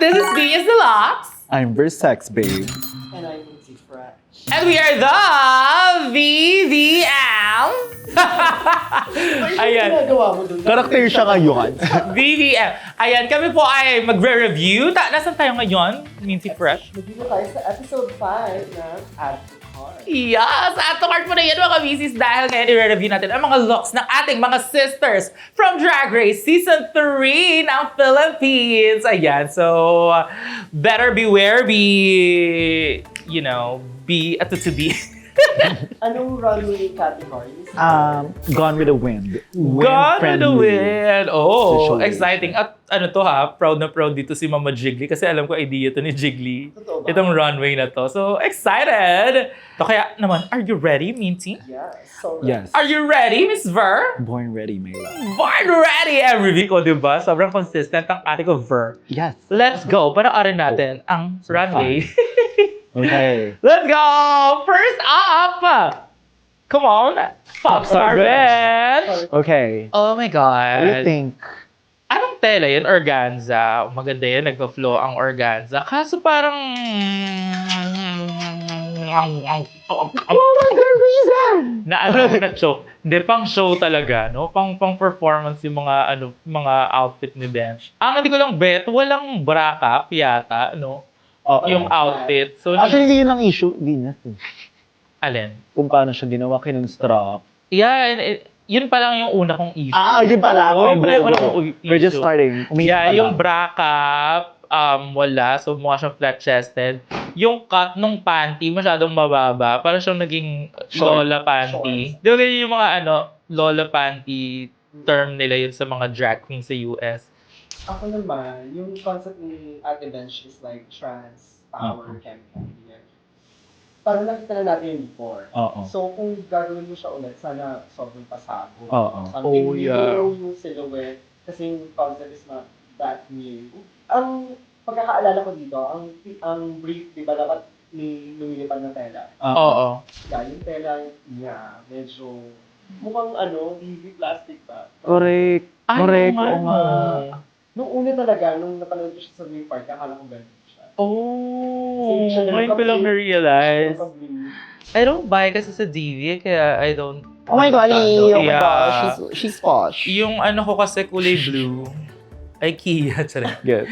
This is Venus Deluxe. I'm Versex, babe. And I'm Lucy Fresh. And we are the VVM. Ayan. Ginagawa mo dun? Karakter siya ngayon. VVM. Ayan, kami po ay magre-review. Nasaan tayo ngayon, Mincy Fresh? Nandito tayo sa episode 5 ng Add to Cart. Yes! Add to cart mo na yan mga misis dahil ngayon i-review natin ang mga looks ng ating mga sisters from Drag Race Season 3 ng Philippines. Ayan, so better beware, be to be. Anong runway categories? Gone with the Wind. Gone with the Wind. Oh, Situation. exciting. At ano to ha, proud na proud dito si Mama Jiggly kasi alam ko idea to ni Jiggly. Totoo ba? Itong runway na to. So, excited! So, kaya naman, are you ready, Minty? Yes. So, Yes. Are you ready, Miss Ver? Born ready, my love. Born ready every week, o diba? Sobrang consistent ang ate ko, Ver. Yes. Let's go. Panoorin natin ang runway. Okay. Let's go! First up! Come on! Popstar Ben! Okay. Oh my What do you God! think? Anong tela yun? Organza. Maganda yun, nagpa-flow ang organza. Kaso parang... Na-choke. Hindi, pang show talaga, no? Pang performance yung mga outfit ni Bench. Ang hindi ko lang bet, walang bra cap yata, no? Yung outfit. So, Actually, yun ang issue. Venus. alin? Kung paano siya ginawa, kinonstruct. Yeah, yun pa lang yung una kong issue. Yun pala. Oo, yun pala yung una kong We're just issue. starting. Yeah, yung bra cap, wala. So, mukha siyang flat-chested. Yung cut nung panty, masyadong mababa. Parang siyang naging Short. lola panty. Di ba ganyan yung mga lola panty term nila yun sa mga drag queens sa US? Ako naman, yung concept ni Ate Bench is like trans power chemical. Yeah. Parang nakita na natin yun before. Oo. So, kung gagawin mo siya ulit, sana sobrang pasabog. Oo. Something Oh, yeah. new yung silhouette. Kasi yung concept is not that new. Ang pagkakaalala ko dito, ang brief, di ba, dapat lumilipad ng tela. Oo. Yeah, yung tela niya, medyo mukhang hindi plastic pa. Correct. Ay, Correct. oo Oo nga. Nung una talaga, nung napanood ko siya sa Green Park, akala ko ganun siya. Oh, Hindi siya ngayon ko lang nagka-brief. na-realize. Nagka-brief. I don't buy kasi sa DV, kaya I don't... Oh my God, Yeah. She's posh. Yung ko kasi kulay blue, ay Kia, tsara. Good.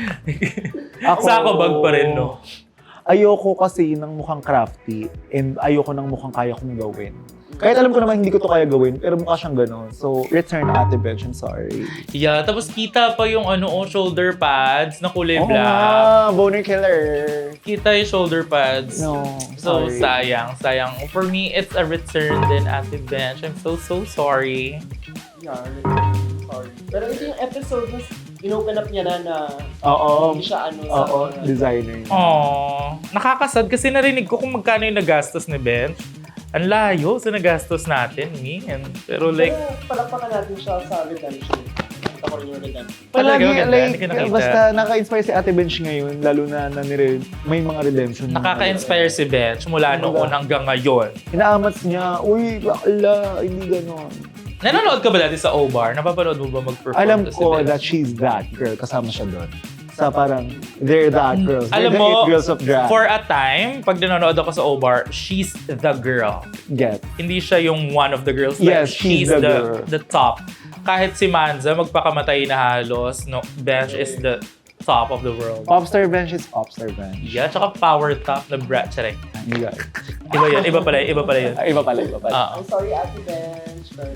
Sa ako bag pa rin, no? Ayoko kasi ng mukhang crafty and ayoko ng mukhang kaya kong gawin. Kahit alam ko naman hindi ko to kaya gawin, pero mukha siyang gano'n. So, return Ate Bench, I'm sorry. Yeah, tapos kita pa yung shoulder pads na kulay Oo black. nga, boner killer. Kita yung shoulder pads. No, So, sorry. sayang. For me, it's a return din, Ate Bench. I'm so sorry. Yeah, sorry. Pero ito yung episode na in-open up niya na Oo. hindi siya Oo, designer. Aww. Nakakasad kasi narinig ko kung magkano yung nagastos ni Bench. Ang layo sa nagastos natin, man. Pero like, Pero palakpakan natin siya sa redemption. Ako rin yung redemption. Talaga, Palagi, maganda. like, Hindi ko nakita. basta naka-inspire si Ate Bench ngayon, lalo na may mga redemption. nakaka-inspire si Bench mula noon hanggang ngayon. Inaamats niya, uy, bakla, hindi gano'n. Nanonood ka ba dati sa O-Bar? Napapanood mo ba mag-perform Alam to si ko Bench? that she's that girl, kasama siya doon. Sa parang, they're that girls. Alam They're the mo, it girls of drag. for a time, pag nanonood ako sa O-Bar, she's the girl. Get. Hindi siya yung one of the girls. Yes, she's the girl. the top. Kahit si Manza, magpakamatay na halos, no, Bench is the top of the world. Popstar Bench is Popstar Bench. Yeah, tsaka power top na brat. Tsarek. You got it. Iba yun, iba pala yun. Iba pala. I'm sorry, Ate Bench. But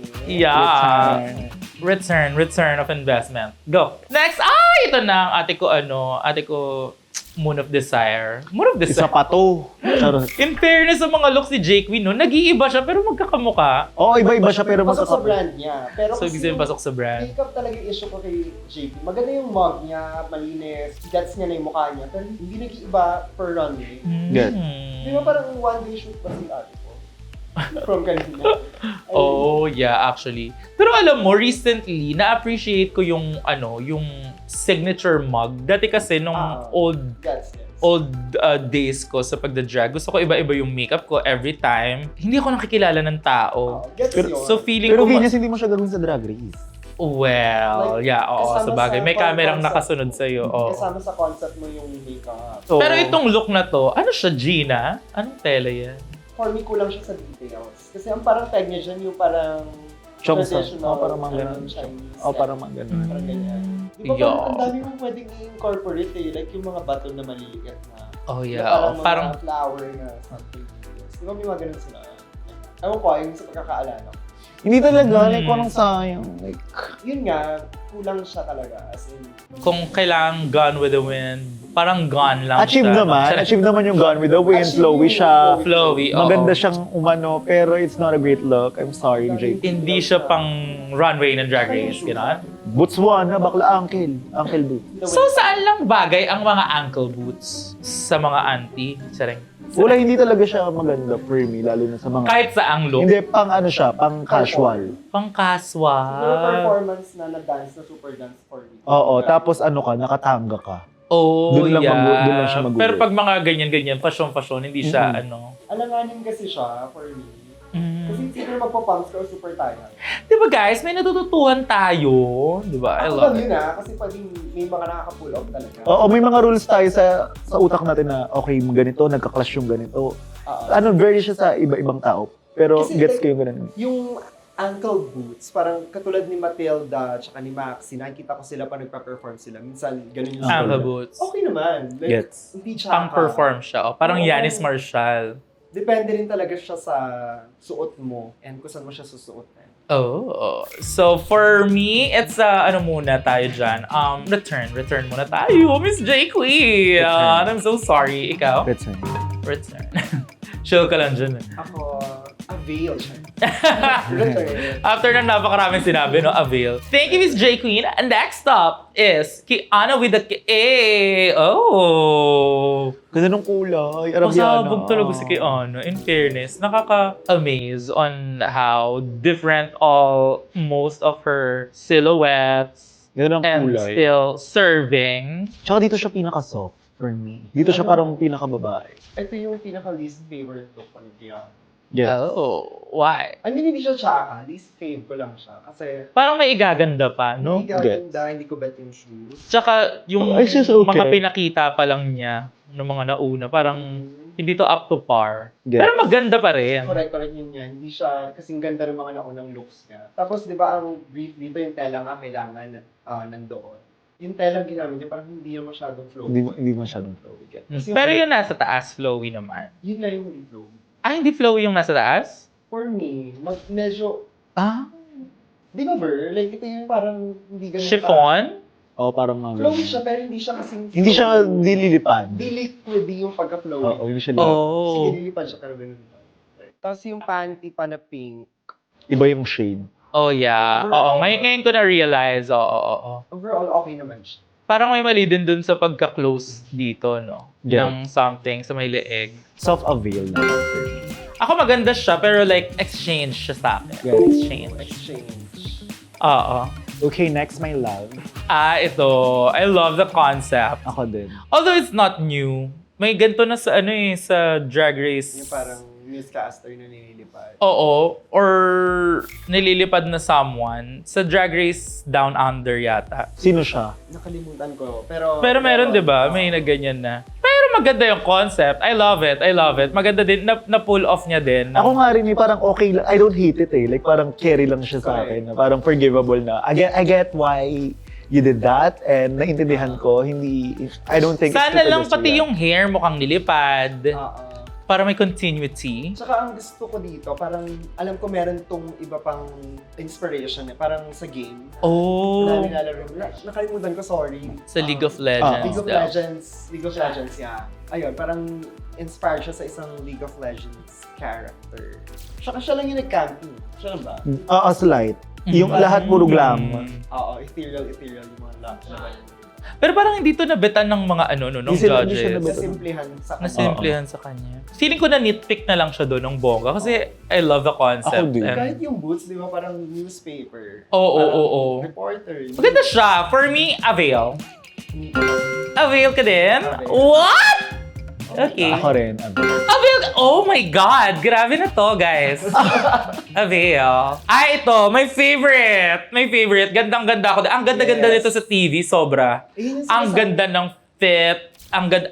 Yeah. Return of investment. Go. Next, ito na ang ate ko, Moon of Desire. Isa pa to. Charot. In fairness sa mga looks ni Jake Win, no, nag-iiba siya pero magkakamukha. Oo, iba-iba siya pero pasok sa magkakapit. brand niya. Pero So, ibig sabihin pasok sa brand. Makeup talaga yung issue ko kay JP. Maganda yung mug niya, malinis, gets niya na yung mukha niya. Pero hindi nag-iiba per runway. Good. Di ba parang one-day shoot pa si ate ko? From kanina. Oh, yeah, actually. Pero alam mo, recently, na-appreciate ko yung signature mug. Dati kasi nung old Gets niya. days ko sa pagda-drag, gusto ko iba-iba yung makeup ko every time. Hindi ako nakikilala ng tao. Gets yun. So feeling Pero ko... Venus, hindi mo siya gagawin sa Drag Race. Well, Like, yeah, oo, kasama sa bagay. sa May kamerang concept. nakasunod sa'yo. Oo. Kasama sa concept mo yung makeup. So, Pero itong look na to, ano siya, Gina? Anong tela yan? For me, kulang siya sa details. Kasi ang parang tag niya dyan yung parang Chongsa. traditional, Parang mga ganun. Chinese. Parang mga ganun. Parang ganyan. Di ba Yeah. parang ang dami mong pwedeng i-incorporate eh. Like yung mga baton na maliliit na. Oh, Na yeah. parang Oo, mga parang, flower na something. Di ba may mga ganun sila? Ewan ko, yung sa pagkakaalala ko. Hindi talaga, like, parang sayang. Like, Yun nga, kulang siya talaga. As in, kung kailangan Gone with the Wind, parang gone lang achieve siya. naman. Achieve naman yung Gone with the Wind. Achieve Flowy yung siya. Flowy, oo. Maganda siyang umano, pero it's not a great look. I'm sorry, Jake. Hindi siya pang runway ng Drag Race, gano'n? Botswana, bakla uncle. Uncle Boo. So, saan lang bagay ang mga ankle boots sa mga auntie? Sarang. Wala, hindi talaga siya maganda for me, lalo na sa mga... Kahit sa ang look, Hindi, pang ano siya, pang casual. pang Yung casual. performance na na-dance, na super dance for me. Oo, tapos ano ka, nakatanga ka. Oh, Doon lang yeah. doon lang siya mag-work. Pero pag mga ganyan-ganyan, fashion, hindi siya, Mhm. ano. Alanganin kasi siya for me. Kasi Mm. siguro magpa-pumps ka o super tired. Di ba guys, may natututuhan tayo. Di ba? I Ako love lang it. yun kasi pwedeng may mga nakaka-pull off talaga. Oo, may mga rules tayo sa utak natin na, okay, ganito, nagka-clash yung ganito. Oo. Ano, very siya sa iba-ibang tao. Pero Kasi gets like, ko yung ganun. Yung ankle boots, parang katulad ni Matilda tsaka ni Maxi, nakikita ko sila pa nagpa-perform sila. Minsan, ganun yung Ankle Ankle boots. Okay naman. Like, Gets. hindi tsaka. Pang-perform siya. Oh. Parang Oo. Yanis Marshall. Depende rin talaga siya sa suot mo and kung saan mo siya susuotin. Oh. So, for me, it's, ano muna tayo dyan. Return muna tayo. Miss J. Queen. Return. I'm so sorry. Ikaw? That's it. Return. Chill ka lang dyan. Ako, avail siya. Return. After ng napakaraming sinabi, no, avail. Thank you, Miss J. Queen. And next up is Kiana with the K. Oh. Ganda ng kulay. Arabiana. Pasabog talaga si Kiana. In fairness, nakaka-amaze on how different most of her silhouettes Ganda ng and kulay. still serving. Tsaka dito siya pinaka-soft for me. Dito siya parang pinaka-babae. Ito yung pinaka-least favorite look ko ni Kiana. Yes. Oh, why? I mean, hindi siya tsaka. Least fave ko lang siya. Kasi, Parang may igaganda pa, no? hindi gaganda, hindi ko bet yung shoes. Tsaka yung Oh, it's just okay. mga pinakita pa lang niya ng mga nauna, parang hindi to up to par. Yes. Pero maganda pa rin. Correct yun yan. Hindi siya, kasing ganda ng mga naunang looks niya. Tapos, di ba, ang brief dito yung tela nga kailangan nandoon. Yung tela ginamit niya, parang hindi yung masyadong flow. Hindi masyadong flowy. Yes. Pero yung nasa taas, flowy naman. Yun lang yung flow. Hindi flowy yung nasa taas? For me, medyo, Ah, di ba, Ver? Like, ito yung parang hindi ganun chiffon? Oo, parang mga... Flowy siya, pero hindi siya kasing Hindi siya dililipad. Di liquidy yung pagka-flowy. Oo, usually. Sige, Oh. nilipad siya, pero ganun. Tapos yung panty pa na pink. Iba yung shade. Oh, yeah. Oo, ngayon ko na-realize. Oo. Overall, okay naman siya. Parang may mali din dun sa pagka-close dito, no? Yeah. Ng something sa may leeg. Self-avail na. Ako maganda siya, pero like, exchange siya sa akin. Yeah. Exchange. Oo. Okay, next, my love. Ito. I love the concept. Ako din. Although it's not new. May ganito na sa sa Drag Race. Yung parang newscaster na nililipad. Oo. Or nililipad na someone sa Drag Race Down Under yata. Sino siya? Nakalimutan ko. Pero Pero di ba? May nagganyan na. Pero maganda yung concept. I love it. Maganda din. Na-pull off niya din. Ako nga rin, parang okay lang. I don't hate it eh. Like parang carry lang siya sa akin. Na parang forgivable na. I get why you did that and naintindihan ko. I don't think Sana it's lang pati yung hair mukhang nilipad. Para may continuity. Tsaka ang gusto ko dito, parang alam ko meron tong iba pang inspiration eh. Parang sa game. Na Oh. nilalaro. Nakalimutan ko, sorry. Sa League of Legends. League of daw. League of Legends, yeah. Ayun, parang inspired siya sa isang League of Legends character. Tsaka siya lang yung nag-camping. Siya lang ba? slight. Yung lahat puro glam. Oo, ethereal yung mga lamp. Pero parang hindi to nabetan ng mga nung Hindi siya judges. nabetan. Nasimplihan sa kanya. Nasimplihan sa kanya. Feeling ko na nitpick na lang siya doon ng bongga kasi I love the concept. Ako din. Kahit yung boots, di ba, parang newspaper. Oo. Reporter. Maganda siya. For me, avail. Mm. Avail ka din? Avail. What? Okay. Ako rin. Avail Oh my God! Grabe na to, guys. Avail. Ito, my favorite. My favorite. Gandang-ganda ako. Ang ganda-ganda Yes. nito sa TV, sobra. Ayun yung Ang sinasabi. ganda ng fit. Ang ganda...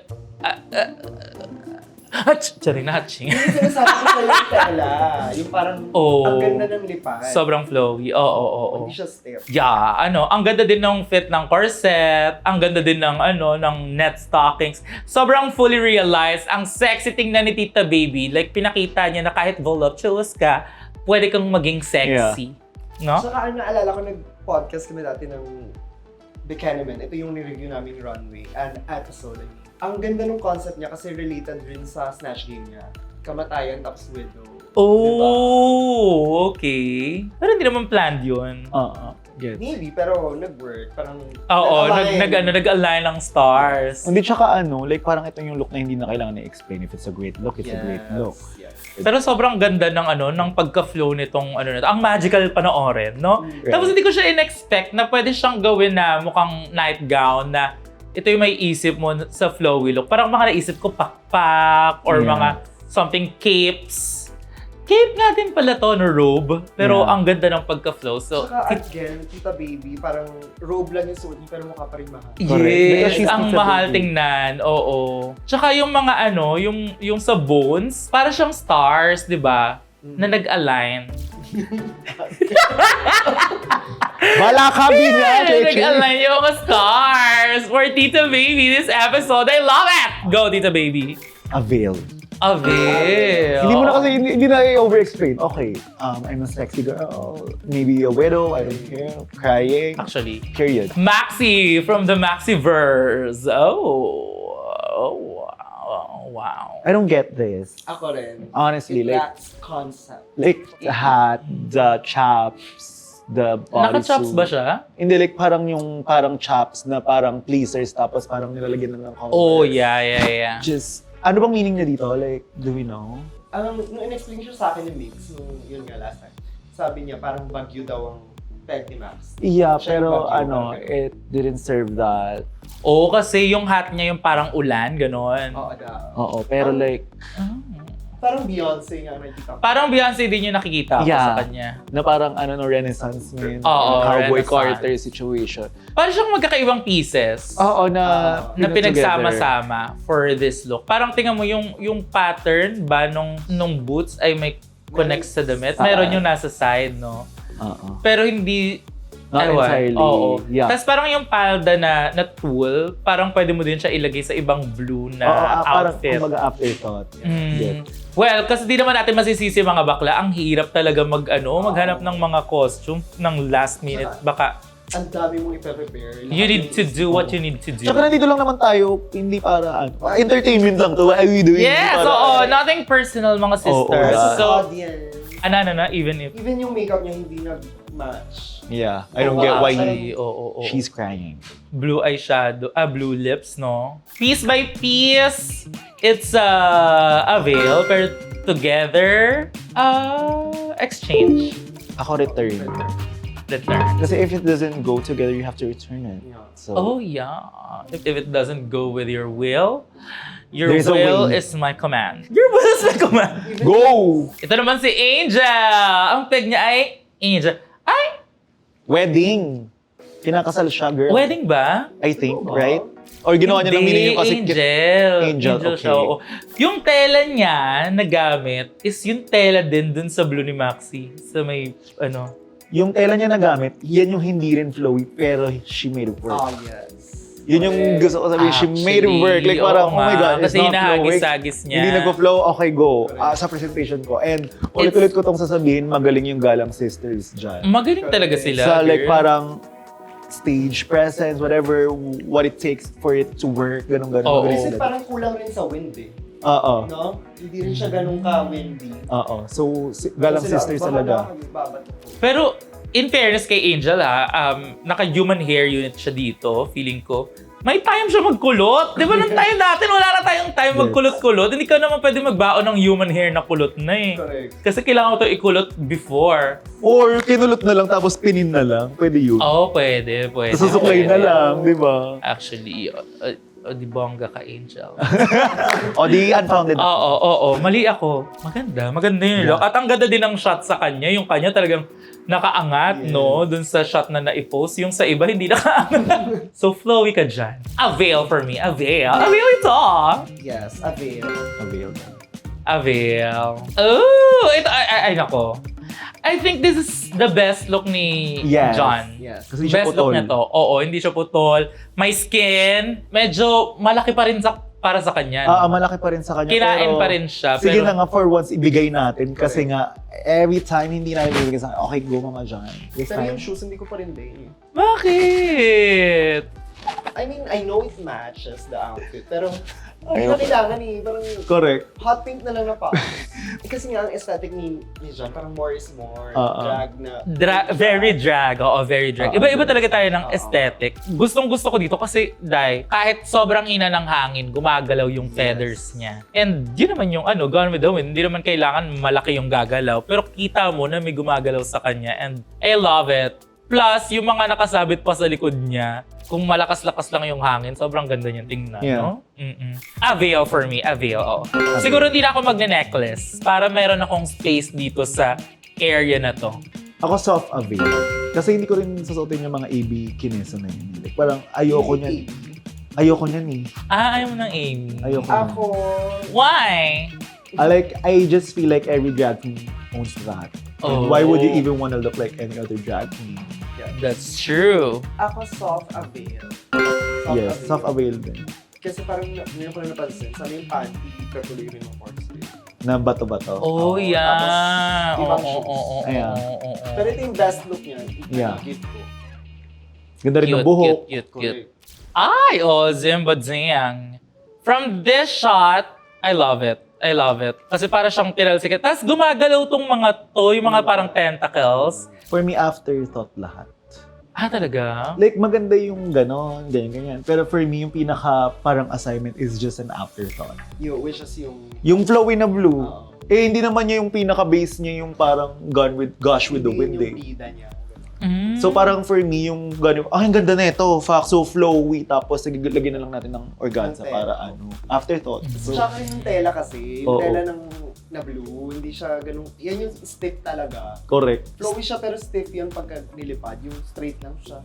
Charing na hatching. Yung sinasabi ko sa'yo yung tela. Yung parang, Oh. ang ganda ng lipan. Sobrang flowy. Oo. Hindi siya stiff. Yeah, ang ganda din ng fit ng corset, ang ganda din ng ng net stockings. Sobrang fully realized, ang sexy tingnan ni Tita Baby. Like pinakita niya na kahit voluptuous ka, pwede kang maging sexy. No? Saka naalala ko, nag-podcast kami dati ng Buchanan. Ito yung ni-review namin Runway, an episode. Ang ganda ng concept niya kasi related rin sa Snatch Game niya. Kamatayan tapos widow. Oh, okay. Pero hindi naman planned yun. Get. Maybe, pero nag-work. Parang Oo, nag-align. nag-align ng stars. Hindi, tsaka like parang ito yung look na hindi na kailangan na-explain. If it's a great look, it's a great look. Yes. Pero sobrang ganda ng ng pagka-flow nitong na to. Ang magical panoorin, no? Right. Tapos hindi ko siya in-expect na pwede siyang gawin na mukhang nightgown na ito yung may isip mo sa flowy look. Parang mga naisip ko pakpak or Yeah. mga something capes. Cape nga din pala to, no robe. Pero Yeah. ang ganda ng pagka-flow. So, Saka again, Tita Baby, parang robe lang yung suot niya pero mukha pa rin mahal. Correct. Because yes, she's ang Tita mahal Baby. tingnan. Oo. Tsaka yung mga yung sa bones, para siyang stars, di ba? Na nag-align. Bala ka, Binya, Cheche! Nag-align yung mga stars for Tita Baby this episode. I love it! Go, Tita Baby. Avail. Avail. Hindi mo na kasi, hindi na i-over-explain. Okay, I'm a sexy girl. Maybe a widow, I don't care. Crying. Actually. Period. Maxi from the Maxiverse. Wow. I don't get this. Ako rin. Honestly, It like, lacks concept. the hat, the chaps, the bodysuit. Naka-chops ba siya? Hindi, like parang yung parang chaps na parang pleasers tapos parang nilalagyan na ng Converse. Oh, yeah. Just, ano bang meaning niya dito? Like, do we know? Nung in-explain siya sa akin ni Mix, nung yun nga last time, sabi niya parang bagyo daw ang peg ni Max. Yeah, Siya pero yung bagyo, parang it didn't serve that. Oo, kasi yung hat niya yung parang ulan, ganon. Oo, daw. Oo, pero like, Parang Beyonce nga nakikita ko. Parang Beyonce din yung nakikita ko Yeah. sa kanya. na parang no, Renaissance man. Oo, Cowboy Renaissance. Carter situation. Parang siyang magkakaibang pieces. Oo, na pinag-together. pinagsama-sama for this look. Parang tingnan mo yung pattern ba nung boots ay may connects sa damit. Meron yung nasa side, no? Oo. Pero hindi Not ewan. entirely. Oo. Yeah. Tapos parang yung palda na tulle, parang pwede mo din siya ilagay sa ibang blue na Parang outfit. kumbaga afterthought. Mm. Well, kasi di naman natin masisisi mga bakla. Ang hirap talaga maghanap ng mga costume ng last minute. Baka Ang dami mong ipe-prepare. you need to do what you need to do. Tsaka nandito lang naman tayo, hindi para entertainment lang to. What are we doing? Yes, Hindi para- oo. Nothing personal, mga sisters. Oo, So, audience. even if... Even yung makeup niya hindi nag-match. Yeah, I don't get why Actually, oo. she's crying. Blue eyeshadow, blue lips, no? Piece by piece, it's a veil, pero together, exchange. Ako return. Return. Kasi if it doesn't go together, you have to return it. Yeah. So, Oh, yeah. If it doesn't go with your will, your There's a will way. is my command. Your will is my command. go! Ito naman si Angel. Ang peg niya ay Angel. Ay, Wedding! Kinakasal siya, girl. wedding ba? I think, right? Or ginawa niya ng Hindi, meaning yung kasi... Angel okay. siya, oo. Yung tela niya na gamit is yung tela din dun sa blue ni Maxi. Sa may, Yung tela niya na gamit, yan yung hindi rin flowy, pero she made it work. Oh, yes. Yun yung gusto ko sabihin, she made it work. Like parang, oo oh my nga. God, it's Kasi not flowing. hinahagis-agis niya. Hindi nagpo-flow, okay, go. Sa presentation ko. And ulit-ulit ko tong sasabihin, magaling yung Galang Sisters dyan. Magaling talaga sila. Sa like girl. parang stage presence, whatever, what it takes for it to work, ganun-ganun. Oo. Magaling Kasi sila. parang kulang rin sa wind eh. Oo. No? Hindi rin siya ganun ka-windy. Oo. So, Galang Sisters talaga. Pero, in fairness kay Angel naka-human hair unit siya dito, feeling ko. May time siya magkulot. Di ba nung time natin, wala na tayong time Yes. magkulot-kulot. Hindi ka naman pwede magbaon ng human hair na kulot na eh. Correct. Kasi kailangan ko ito ikulot before. Or kinulot na lang tapos pinin na lang. Pwede yun. Oo, pwede. Susuklay na lang, di ba? Actually, O, di bongga ka, Angel. O di unfounded. Oo. Mali ako. Maganda yung look. At ang ganda din ng shot sa kanya. Yung kanya talagang nakaangat, no? Dun sa shot na na-post. Yung sa iba, hindi nakaangat. So, flowy ka dyan. Avail for me. Avail. Avail ito. Yes, avail. Avail. Oh! Ito, ay, nako. I think this is the best look ni Yes. John. Yes. Kasi siya Best look putol. niya to. Oo, hindi siya putol. May skin. Medyo malaki pa rin para sa kanya. no? Malaki pa rin sa kanya. Kinain pero, pa rin siya. Sige pero, na nga, for once, ibigay natin. Kasi nga, every time hindi natin ibigay sa akin, okay, go Mama John. This Pero time. yung shoes, hindi ko pa rin din. Bakit? I mean, I know it matches the outfit, pero hindi na kailangan eh. Parang Correct. hot pink na lang na pa. Kasi nga, ang aesthetic ni John, parang more is more. Drag na. Very drag. Oo, very drag. Iba-iba talaga tayo ng aesthetic. Gustong-gusto ko dito kasi, kahit sobrang ina ng hangin, gumagalaw yung feathers niya. And yun naman yung Gone with the Wind. Hindi naman kailangan malaki yung gagalaw. Pero kita mo na may gumagalaw sa kanya. And I love it. Plus, yung mga nakasabit pa sa likod niya, kung malakas-lakas lang yung hangin, sobrang ganda niyan tingnan, Yeah. no? Avail for me. Avail, oo. Siguro hindi na ako magne-necklace para meron akong space dito sa area na to. Ako soft avail. Kasi hindi ko rin susuotin yung mga AB kinesa na yun. Like, parang ayoko niyan. Ayoko niyan eh. Ayaw mo ng Amy. Ayoko niyan. Ako, Why? I just feel like every drag queen owns that. Oh. Why would you even want to look like any other drag queen? That's true. ako soft avail. Yes, soft avail din. Kasi parang ngayon ko na napansin, sana yung panty, katuloy rin ng corset. Na bato-bato. Oh, Oo, yeah. tapos, ibang Oo, shoes. oo, oo, Ayan. oo, oo. Pero ito yung best look niya. Yeah. Gift ko. Ganda rin ng buhok. Cute. Correct. Ay, Zimba Zing. From this shot, I love it. Kasi para siyang tinalsikat. Tapos gumagalaw tong mga to, yung mga parang tentacles. For me, afterthought lahat. Talaga? Like, maganda yung ganon, ganyan. Pero for me, yung pinaka parang assignment is just an afterthought. Which is yung... Yung flowy na blue, Oo. hindi naman niya yung pinaka-base niya yung parang Gosh with the Wind yung eh. bida niya. So parang for me, yung gano'n, ang ganda na ito, fact, so flowy, tapos lagyan na lang natin ng organza Ng para tela. afterthought. So, Tsaka yung tela kasi, yung Oo. tela na blue, hindi siya ganun, yan yung stiff talaga. correct. Flowy siya pero stiff yan pagka nilipad, yung straight lang siya.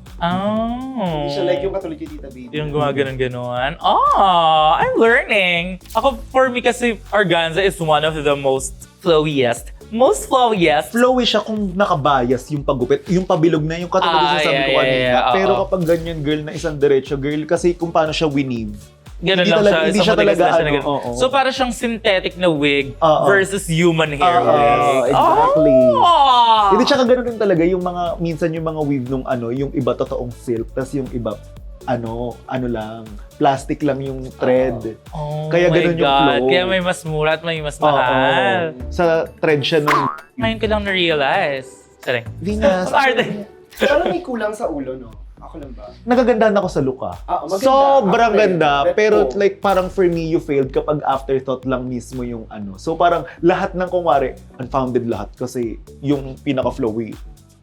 Oh. Hindi siya like yung katulad yung Tita Baby. Yung gumaganon-ganon. Oh, I'm learning. Ako, for me kasi, organza is one of the most flowiest. Flowy siya kung nakabias yung paggupit, yung pabilog na, yung katulad yung sabi ko kanina. yeah, Pero oo. kapag ganyan girl na isang diretso girl, kasi kung paano siya weave. Ganun Hindi lang talaga- siya. hindi isang siya matigas talaga, na siya na ano, ganun. oo. So, para siyang synthetic na wig Oo. versus human hair wig. Exactly. Oh! Hindi, tsaka ganun din talaga yung mga, minsan yung mga weave nung yung iba totoong silk, tas yung iba, ano lang, plastic lang yung thread. Oh Kaya my ganun yung God. flow. Kaya may mas mura at may mas Oo. mahal. Sa thread siya nung Ngayon ko lang na-realize. Sorry. Venus. Arte. Parang may kulang sa ulo, no? Ako lang ba? Nagagandahan ako sa look maganda. Sobrang Okay. ganda. Bet Pero ko. like parang for me, you failed kapag afterthought lang mismo yung So parang lahat ng kunwari, unfounded lahat. Kasi yung pinaka-flowy,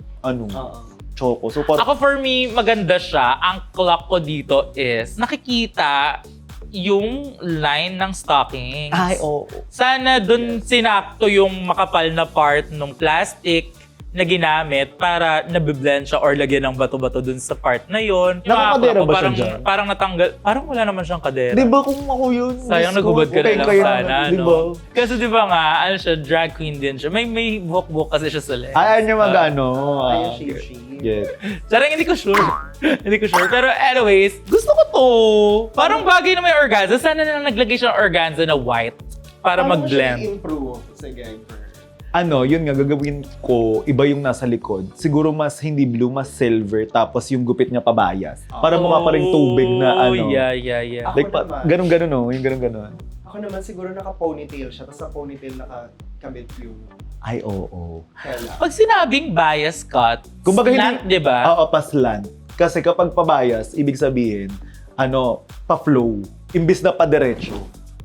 choco. So parang, Ako for me, maganda siya. Ang clock ko dito is nakikita yung line ng stockings. oo. Sana dun sinakto yung makapal na part ng plastic na ginamit para nabiblend siya or lagyan ng bato-bato dun sa part na yon. Nakakadera ba siya parang, dyan? parang natanggal. Parang wala naman siyang kadera. Di ba kung ako yun? Sayang Diyos ko, naghubad ka na okay, lang kaya sana, naman, di no? ba? Kasi di ba nga, siya, drag queen din siya. May buhok-buhok kasi siya sa legs. Ayaw niya Ayun, shape. Yes. Sarang hindi ko sure. Hindi ko sure. Pero anyways, gusto ko to. Parang bagay na may organza. Sana na naglagay siya ng organza na white para Paano mo siya mag-blend. i-improve? Sige, Yun nga, gagawin ko, iba yung nasa likod. Siguro mas hindi blue, mas silver, tapos yung gupit niya pabayas. Para mukha pa rin tubig na Oh, yeah. Ako Like, naman. ganun-ganun, yung ganun-ganun. Ako naman siguro naka-ponytail siya, tapos sa ponytail naka-kabit yung Ay, oo. tela. Pag sinabing bias cut, Kumbaga slant, hindi- di ba? Oo, paslant. Kasi kapag pabayas, ibig sabihin, pa-flow. Imbis na pa-diretso.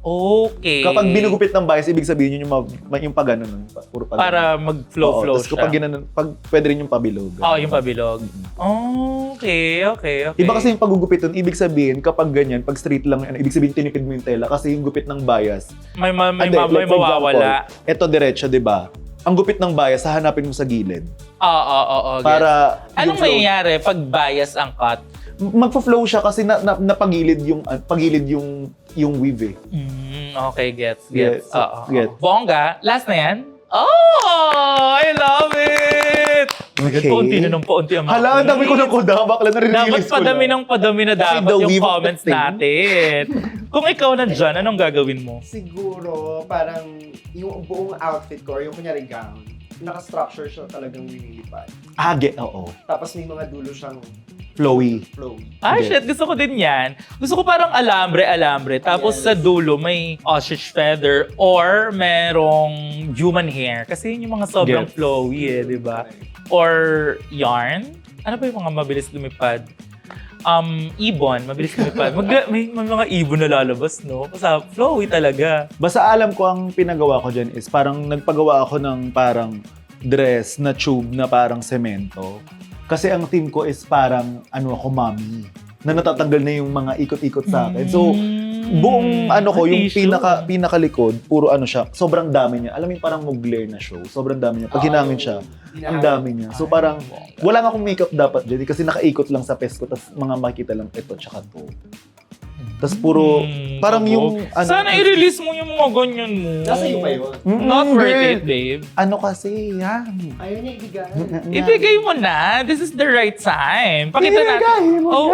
Okay. Kapag binugupit ng bias, ibig sabihin yun yung pag ano nun. Puro pag Para mag-flow-flow Tapos kapag ginanon, pwede rin yung pabilog. yung pabilog. Okay. Iba kasi yung pagugupit nun, ibig sabihin, kapag ganyan, pag straight lang, ibig sabihin tinipid mo yung tela kasi yung gupit ng bias. May Like, for mawawala. example, eto diretso, di ba? Ang gupit ng bias, hahanapin mo sa gilid. Oo. Para Anong yung flow- mangyayari pag bias ang cut? magfo-flow siya kasi napagilid yung weave eh. Okay, gets. Yes, Oo. gets. Bongga, last na yan? Oh, I love it! Okay. Paunti na ng paunti ang mga Hala, ang dami ko ng koda. Bakla na Dapat release ko padami na. ng padami na Kasi dapat the yung weave of the comments thing. natin. Kung ikaw nandyan, anong gagawin mo? Siguro, parang yung buong outfit ko, or yung kunyari gown, naka-structure siya talagang linilipad. Oo. Tapos may mga dulo siyang Flowy. flowy. Ay, Yes. shit, gusto ko din yan. Gusto ko parang alambre. Tapos Yes. sa dulo may ostrich feather or merong human hair. Kasi yun yung mga sobrang Yes. flowy di ba? Or yarn. Ano ba yung mga mabilis lumipad? Ibon, mabilis lumipad. May mga ibon na lalabas, no? Kasi flowy talaga. Basta alam ko ang pinagawa ko dyan is parang nagpagawa ako ng parang dress na tube na parang semento. Kasi ang team ko is parang ako, mommy. Na natatanggal na yung mga ikot-ikot sa akin. So, buong yung tissue. pinakalikod, puro siya, sobrang dami niya. Alam mo yung parang Mugler na show, sobrang dami niya. Pag hinangin siya, ang dami niya. So parang, wala nga akong makeup dapat dyan kasi nakaikot lang sa pes ko, tapos mga makita lang ito, tsaka to. Tapos puro, parang yung, Sana i-release mo yung mga ganyan mo. Nasa iyo pa yun. Not worth it, babe. Kasi, yan. Ayaw niya ibigay. Ibigay mo na. This is the right time. Pakita natin. Ibigay mo Oo.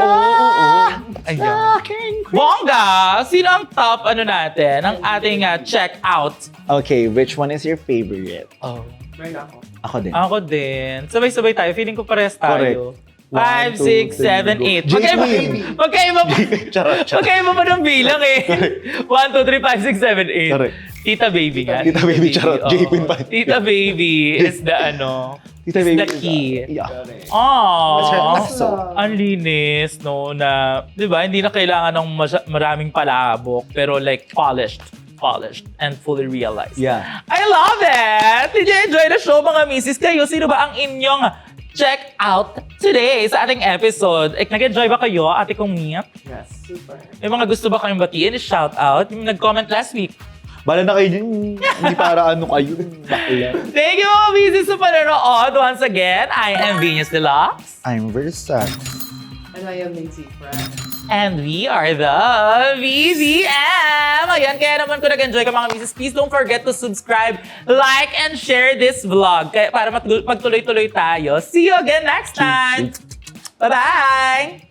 Ayan. Bongga! Sino ang top natin? Ang ating check out. Okay, which one is your favorite? Oh. Meron ako. Ako din. Ako din. Sabay-sabay tayo. Feeling ko parehas tayo. 5, 6, 7, 8. Magkaiba pa. Charot. Magkaiba pa ng bilang eh. 1, 2, 3, 5, 6, 7, 8. Correct. Tita Baby nga. Tita Baby, charot. Oo. J-Queen pa. Tita Baby is the Tita is Baby the key. Yeah. Aww. So, Ang linis, no, na, di ba, hindi na kailangan ng maraming palabok, pero like polished and fully realized. Yeah. I love it! Did you enjoy the show, mga misis? Kayo, sino ba ang inyong check out today sa ating episode? Nag-enjoy ba kayo, ate kong Mia? Yes, super. May mga gusto ba kayong batiin? Shout out. Yung nag-comment last week. Bala na kayo dyan. Hindi para kayo. Bakla. Thank you, mga misis, sa panonood. Once again, I am Venus Deluxe. I'm Versa. And I am Lindsay Frank. And we are the VVM! Ayan, kaya naman kung nag-enjoy ka mga misis, please don't forget to subscribe, like, and share this vlog para magtuloy-tuloy tayo. See you again next time! Bye-bye!